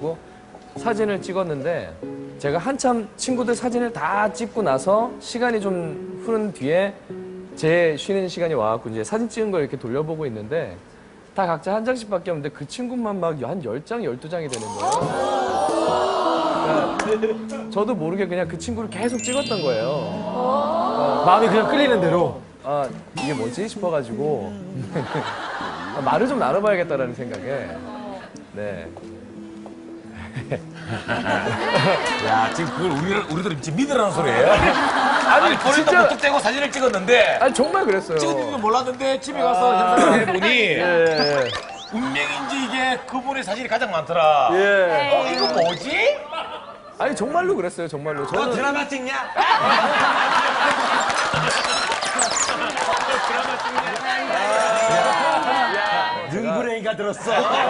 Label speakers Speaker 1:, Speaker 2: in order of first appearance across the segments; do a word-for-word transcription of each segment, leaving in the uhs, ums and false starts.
Speaker 1: 와가지고 사진을 찍었는데 제가 한참 친구들 사진을 다 찍고 나서 시간이 좀 흐른 뒤에 제 쉬는 시간이 와갖고 이제 사진 찍은 걸 이렇게 돌려보고 있는데 다 각자 한 장씩밖에 없는데 그 친구만 막 한 열 장, 열두 장이 되는 거예요. 그러니까 저도 모르게 그냥 그 친구를 계속 찍었던 거예요. 어,
Speaker 2: 마음이 그냥 끌리는 대로.
Speaker 1: 아, 이게 뭐지 싶어가지고 아, 말을 좀 나눠봐야겠다라는 생각에 네.
Speaker 3: 야, 지금 그걸 우리, 우리들 지금 믿으라는 소리예요? 아니, 본인도
Speaker 1: 진짜-
Speaker 3: 무턱대고 사진을 찍었는데
Speaker 1: 아니 정말 그랬어요.
Speaker 3: 찍었는 줄 몰랐는데 집에 가서 현상을 해보니
Speaker 1: 예.
Speaker 3: 운명인지 이게 그분의 사진이 가장 많더라.
Speaker 1: 예.
Speaker 3: 어, 이거 뭐지?
Speaker 1: 아니 정말로 그랬어요. 정말로. 저는
Speaker 3: 드라마 찍냐?
Speaker 2: 능구랭이가 들었어.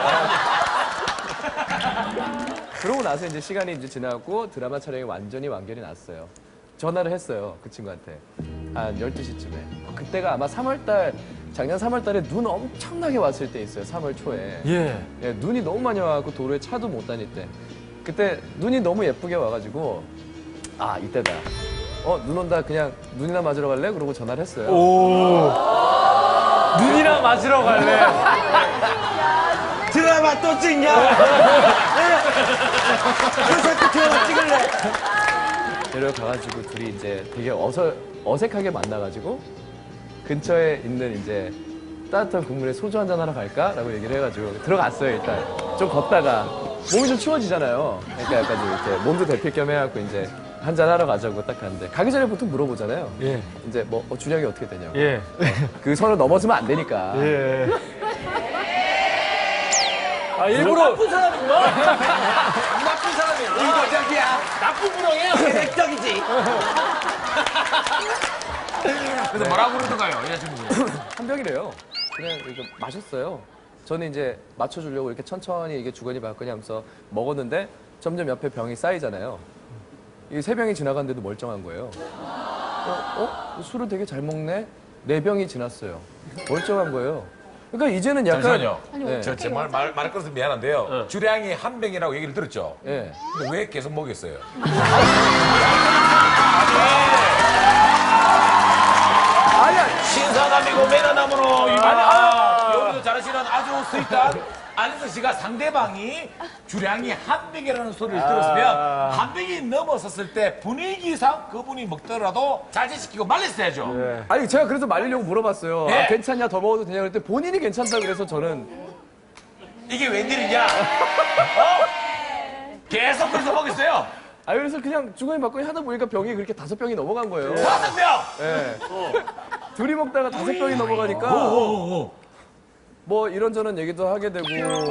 Speaker 1: 그러고 나서 이제 시간이 이제 지나고 드라마 촬영이 완전히 완결이 났어요. 전화를 했어요. 그 친구한테. 한 열두 시쯤에. 그때가 아마 삼월달, 작년 삼월달에 눈 엄청나게 왔을 때 있어요. 삼월 초에.
Speaker 2: 예.
Speaker 1: 예, 눈이 너무 많이 와갖고 도로에 차도 못 다닐 때. 그때 눈이 너무 예쁘게 와가지고 아, 이때다. 어, 눈 온다. 그냥 눈이나 맞으러 갈래? 그러고 전화를 했어요.
Speaker 2: 오. 눈이랑 맞으러 갈래.
Speaker 4: 드라마 또 찍냐? 요새 드라마 찍을래?
Speaker 1: 데려가가지고 둘이 이제 되게 어서, 어색하게 만나가지고 근처에 있는 이제 따뜻한 국물에 소주 한잔 하러 갈까? 라고 얘기를 해가지고 들어갔어요, 일단. 좀 걷다가 몸이 좀 추워지잖아요. 그러니까 약간 좀 이렇게 몸도 데필 겸 해갖고 이제 한잔 하러 가자고 딱 갔는데 가기 전에 보통 물어보잖아요.
Speaker 2: 예.
Speaker 1: 이제 뭐 어, 주량이 어떻게 되냐고.
Speaker 2: 예.
Speaker 1: 그 선을 넘어서면 안 되니까.
Speaker 2: 예. 아, 일부러.
Speaker 4: 나쁜 사람이구나. 나쁜 사람이야. 의도적이야.
Speaker 3: 나쁜 부렁이에요.
Speaker 4: 계획적이지.
Speaker 3: 그래서 뭐라고 그러던가요, 여자친구분?
Speaker 1: 한 병이래요. 그냥 이렇게 마셨어요. 저는 이제 맞춰주려고 이렇게 천천히 이게 주거니 받거니 하면서 먹었는데 점점 옆에 병이 쌓이잖아요. 이 세 병이 지나갔는데도 멀쩡한 거예요. 어? 어? 술을 되게 잘 먹네? 네 병이 지났어요. 멀쩡한 거예요. 그러니까 이제는 약간.
Speaker 3: 잠시만요.
Speaker 1: 네.
Speaker 3: 저 정말 말, 말을 끊어서 미안한데요. 주량이 한 병이라고 얘기를 들었죠?
Speaker 1: 예.
Speaker 3: 근데 왜 계속 먹였어요?
Speaker 1: 아니야.
Speaker 3: 신사남이고 매너남으로 유명한 여기도 잘하시는 아주 스윗한 안혜성 씨가 상대방이 주량이 한 병이라는 소리를 들었으면 한 병이 넘어섰을 때 분위기상 그분이 먹더라도 자제시키고 말렸어야죠.
Speaker 1: 아니 제가 그래서 말리려고 물어봤어요.
Speaker 3: 예.
Speaker 1: 아, 괜찮냐? 더 먹어도 되냐? 그랬더니 본인이 괜찮다고 그래서 저는
Speaker 3: 이게 웬일이냐? 어? 계속 그래서 먹였어요.
Speaker 1: 아 그래서 그냥 주거니 받거니 하다 보니까 병이 그렇게 다섯 병이 넘어간 거예요.
Speaker 3: 다섯 명!
Speaker 1: 예. 둘이 먹다가 다섯 병이 넘어가니까 뭐 이런저런 얘기도 하게 되고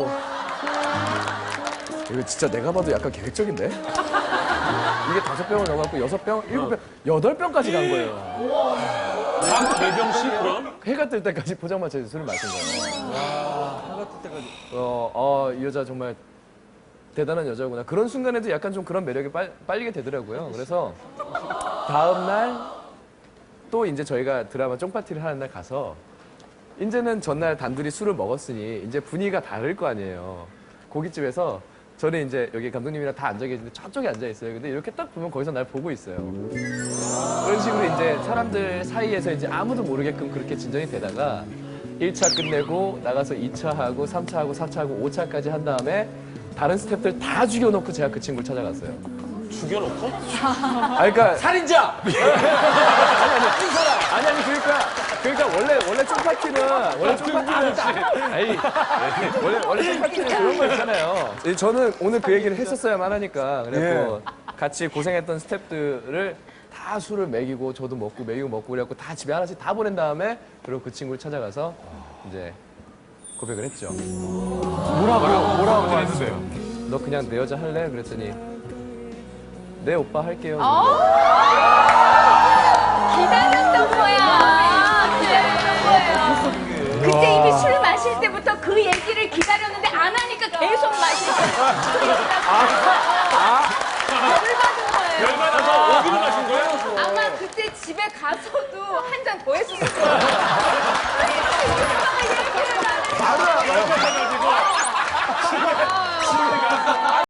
Speaker 1: 이거 진짜 내가 봐도 약간 계획적인데? 이게 다섯 병을 넘어갔고 여섯 병, 일곱 병, 여덟 병까지 간 거예요.
Speaker 2: 하루 네 병씩 그럼?
Speaker 1: 해가 뜰 때까지 포장마차에서 술을 마신 거예요. 해가 뜰 때까지. 어, 어, 이 여자 정말 대단한 여자구나. 그런 순간에도 약간 좀 그런 매력이 빨, 빨리게 되더라고요. 그래서 다음날 또 이제 저희가 드라마 쫑파티를 하는 날 가서 이제는 전날 단둘이 술을 먹었으니 이제 분위기가 다를 거 아니에요. 고깃집에서 저는 이제 여기 감독님이랑 다 앉아 계시는데 저쪽에 앉아 있어요. 근데 이렇게 딱 보면 거기서 날 보고 있어요. 그런 식으로 이제 사람들 사이에서 이제 아무도 모르게끔 그렇게 진전이 되다가 일 차 끝내고 나가서 이 차 하고 삼 차 하고 사 차 하고 오 차까지 한 다음에 다른 스태프들 다 죽여놓고 제가 그 친구를 찾아갔어요.
Speaker 2: 죽여놓고?
Speaker 1: 아, 그러니까
Speaker 4: 살인자.
Speaker 1: 아니 아니 아니 그러니까 그러니까 원래 원래 쫑파티는 원래 쫑파티는 아니 원래 원래 쫑파티는 그런 거 있잖아요. 저는 오늘 그 얘기를 했었어야만 하니까 그래서 같이 고생했던 스태프들을 다 술을 먹이고 저도 먹고 먹이고 먹고 그래갖고 다 집에 하나씩 다 보낸 다음에 그리고 그 친구를 찾아가서 이제 고백을 했죠.
Speaker 2: 뭐라고요? 뭐라고 했어요?
Speaker 1: 너 그냥 내 여자 할래? 그랬더니 네 오빠 할게요.
Speaker 5: 기다렸던 거야. 기다렸던 거예요. 그때 이미 술 마실 때부터 그 얘기를 기다렸는데 안 하니까 계속 마시고 열을 받은 거예요.
Speaker 2: 열받아서 어디로 가신 거예요?
Speaker 5: 아마 그때 집에 가서도 한 잔 더 했을 거예요.
Speaker 1: 바로